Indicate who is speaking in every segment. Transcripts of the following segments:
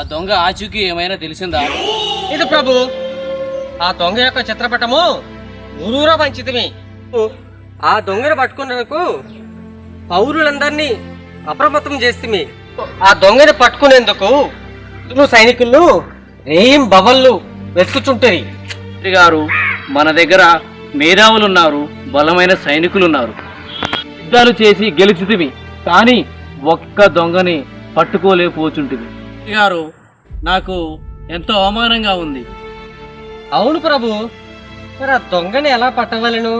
Speaker 1: దొంగ ఆచూకీ ఏమైనా తెలిసిందా?
Speaker 2: ఇది ప్రభు, ఆ దొంగ యొక్క చిత్రపటము ఊరూరా పంచితమే. ఆ దొంగను పట్టుకున్నందుకు పౌరులందరినీ అప్రమత్తం చేస్తే ఆ దొంగని పట్టుకునేందుకు సైనికులు ఏం బవళ్ళు వెతుకుచుంటాయి.
Speaker 1: గారు, మన దగ్గర మేధావులు ఉన్నారు, బలమైన సైనికులు ఉన్నారు. యుద్ధాలు చేసి గెలుచుతివి, కానీ ఒక్క దొంగని పట్టుకోలేకపోచుంటివి. గారు, నాకు ఎంతో అవమానంగా ఉంది.
Speaker 2: అవును ప్రభు, మరి ఆ దొంగని ఎలా పట్టవలను?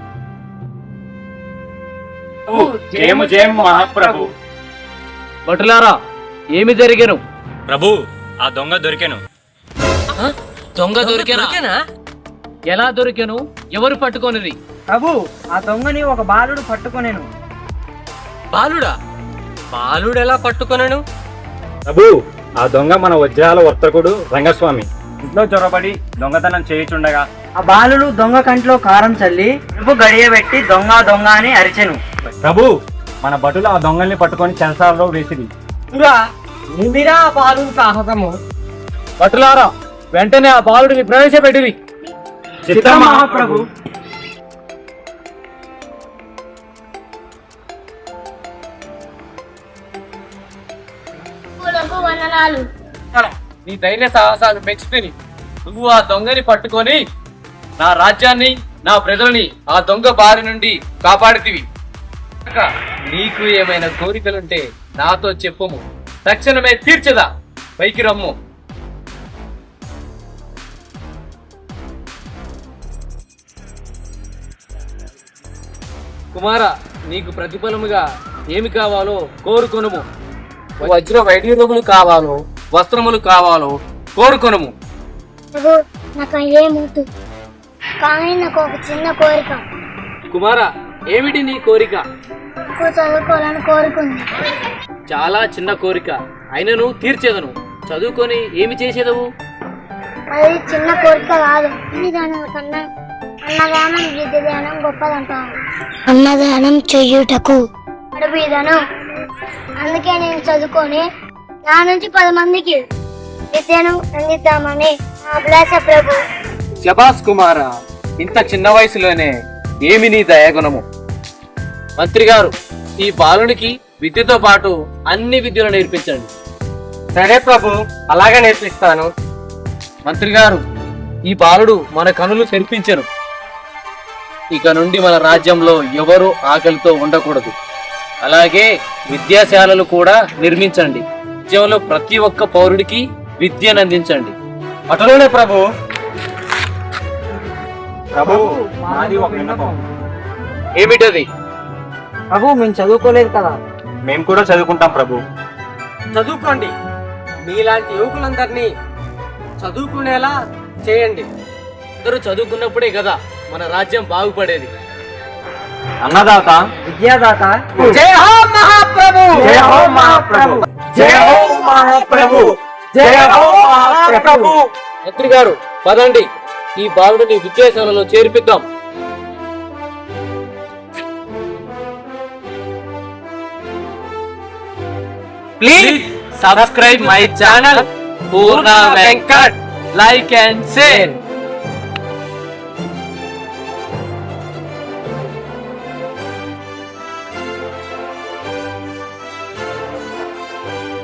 Speaker 3: జయము జయము మహాప్రభు.
Speaker 1: భటులారా, ఏమి జరిగెను?
Speaker 3: ప్రభు, ఆ దొంగ దొరికెను.
Speaker 1: దొంగ దొరికెనా? ఎలా దొరికెను? ఎవరు పట్టుకొనిది?
Speaker 4: ప్రభు, ఆ దొంగని ఒక బాలుడు పట్టుకొనేను.
Speaker 2: బాలుడా? బాలుడు ఎలా పట్టుకొనను?
Speaker 3: ప్రభు, ఆ దొంగ మన వజ్రాల వర్తకుడు రంగస్వామి ఇంట్లో చొరబడి దొంగతనం చేయుచుండగా
Speaker 4: ఆ బాలుడు దొంగ కంట్లో కారం చల్లి ప్రభు గడియబెట్టి దొంగ దొంగ అని అరిచెను.
Speaker 3: ప్రభు, మన భటులు ఆ దొంగల్ని పట్టుకొని చెరసాలలో వేసిరి.
Speaker 2: నిందిరా ఆ బాలుడు సాహసము.
Speaker 1: భటులారా, వెంటనే ఆ బాలుడిని ప్రవేశపెట్టిరి.
Speaker 3: చిత్తం మహాప్రభు.
Speaker 1: నీ ధైర్య సాహసాలు పెంచుతుంది. నువ్వు ఆ దొంగని పట్టుకొని నా రాజ్యాన్ని, నా ప్రజలని ఆ దొంగ బారి నుండి కాపాడుతీవి. నీకు ఏమైనా కోరికలుంటే నాతో చెప్పుము, తక్షణమే తీర్చదా. పైకి రమ్ము. కుమార, నీకు ప్రతిఫలముగా ఏమి కావాలో కోరుకొనుము. వజ్ర వైడ్యూరములు కావాలో, వస్త్రములు కావాలో కోరుకొనుము.
Speaker 5: నాకు ఏమవుతు, కానీ నాకు ఒక చిన్న కోరిక.
Speaker 1: కుమార, ఏమిటి నీ కోరిక?
Speaker 5: చదువుకోవాలని కోరుకుంది.
Speaker 1: చాలా చిన్న కోరిక, అయినను తీర్చేదను. చదువుకొని ఏమి చేసేదవు?
Speaker 5: అది చిన్న కోరిక కాదు. ఇన్ని దానాల కన్నా అన్నదానం, విద్య దానం గొప్పదంటాను. అన్నదానం చెయ్యుటకు అడుగుదను. అందుకే నేను చదువుకొని నా నుంచి 10 మందికి విద్యను అందిద్దామని అభిలాష ప్రభు.
Speaker 1: శబాస్ కుమార, ఇంత చిన్న వయసులోనే ఏమి నీ దయాగుణము. మంత్రి గారు, ఈ బాలునికి విద్యతో పాటు అన్ని విద్యలు నేర్పించండి.
Speaker 2: సరే ప్రభు, అలాగే నేర్పిస్తాను.
Speaker 1: మంత్రి గారు, ఈ బాలుడు మన కనులు తెరిపించను. ఇక నుండి మన రాజ్యంలో ఎవరు ఆకలితో ఉండకూడదు. అలాగే విద్యాశాలలు కూడా నిర్మించండి. రాజ్యంలో ప్రతి ఒక్క పౌరుడికి విద్యను అందించండి.
Speaker 2: అటులోనే ప్రభు.
Speaker 3: ప్రభు, మాది ఒక విన్నపం.
Speaker 1: ఏమిటది?
Speaker 4: ప్రభు, మేము చదువుకోలేదు కదా.
Speaker 3: మేము కూడా చదువుకుంటాం ప్రభు.
Speaker 2: చదువుకోండి. మీలాంటి యువకులందరినీ చదువుకునేలా చేయండి.
Speaker 1: అందరూ చదువుకున్నప్పుడే కదా మన రాజ్యం బాగుపడేది.
Speaker 3: అన్నదాత,
Speaker 4: విద్యాదాత,
Speaker 2: జై హో మహాప్రభు.
Speaker 3: జయ హో మహాప్రభు. జయ హో మహాప్రభు. జయ హో మహాప్రభు.
Speaker 1: మంత్రి గారు, పదండి, ఈ బాలుడిని విద్యాశాలలో చేర్పిద్దాం. Please subscribe my channel Purna Venkat. Like and share.